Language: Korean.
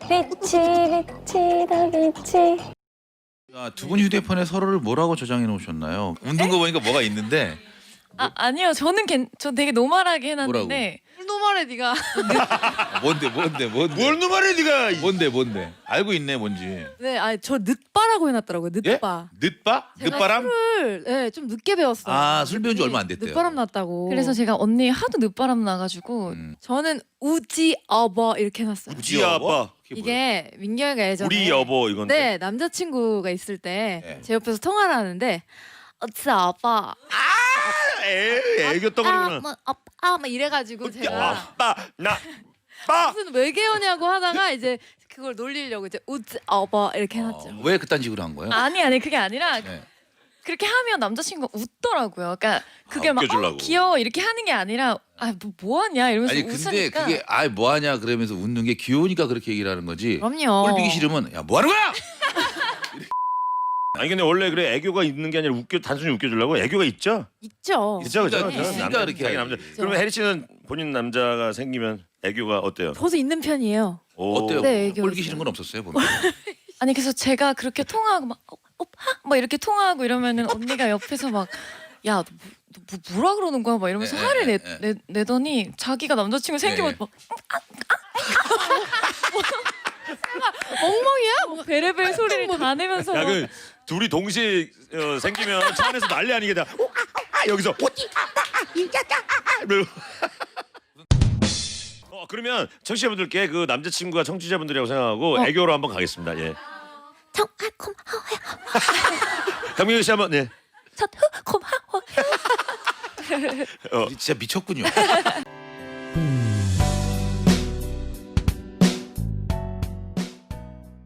빛이 더 빛이. 아, 두 분 휴대폰에 서로를 뭐라고 저장해 놓으셨나요? 웃는 거 보니까 뭐가 있는데. 아니요. 저 되게 노멀하게 해놨는데. 노말해 네가. 뭔데? 뭘 놈아래 네가. 뭔데? 알고 있네 뭔지. 네, 아니 저 늦바라고 해놨더라고요. 늦바. 늦바? 제가 늦바람? 술을 좀 늦게 배웠어요. 아, 술 배운 지 얼마 안 됐대요. 늦바람 났다고. 그래서 제가 언니 하도 늦바람 나가지고 저는 우지 어버 이렇게 해놨어요. 우지 아빠. 이게 민경이가 예전에 우리 여보 이건데. 네 남자친구가 있을 때 네. 제 옆에서 통화를 하는데 우지 아빠 애교 떠가리구나. 아빠 막 이래가지고 제가 아빠 나 빠. 무슨 외계어냐고 하다가 이제 그걸 놀리려고 이제 우지 아빠 이렇게 해놨죠. 왜 그딴 식으로 한 거예요? 아니 그게 아니라 네. 그렇게 하면 남자친구가 웃더라고요. 그러니까 그게 막 웃겨주려고. 귀여워 이렇게 하는 게 아니라 뭐하냐 이러면서 아니 근데 웃으니까. 그게 뭐하냐 그러면서 웃는 게 귀여우니까 그렇게 얘기를 하는 거지. 그럼요. 꼴보기 싫으면 야 뭐하는 거야? 아니 근데 원래 그래 애교가 있는 게 아니라 단순히 웃겨주려고 애교가 있죠. 있죠. 그죠 그죠. 있으니까 그렇게 자기 해야지. 남자. 그러면 혜리 씨는 본인 남자가 생기면 애교가 어때요? 저도 있는 편이에요. 오. 어때요? 네, 애교 꼴보기 있어요. 싫은 건 없었어요 보면. 아니 그래서 제가 그렇게 통화하고 막 오빠 막 이렇게 통화하고 이러면은 언니가 옆에서 막 야 너 뭐라 그러는 거야 막 이러면서 네, 화를 네, 내더니 자기가 남자친구 생기면 네. 막 엉망이야? 뭐 베레벨 소리를 다 내면서 막 야그 둘이 동시에 생기면 차 안에서 난리 아니겠다. 여기서 그러면 청취자분들께 그 남자친구가 청취자분들이라고 생각하고 애교로 한번 가겠습니다. 예. 정말 고마워요. 강민규 씨 한번 네. 고마워. 진짜 미쳤군요.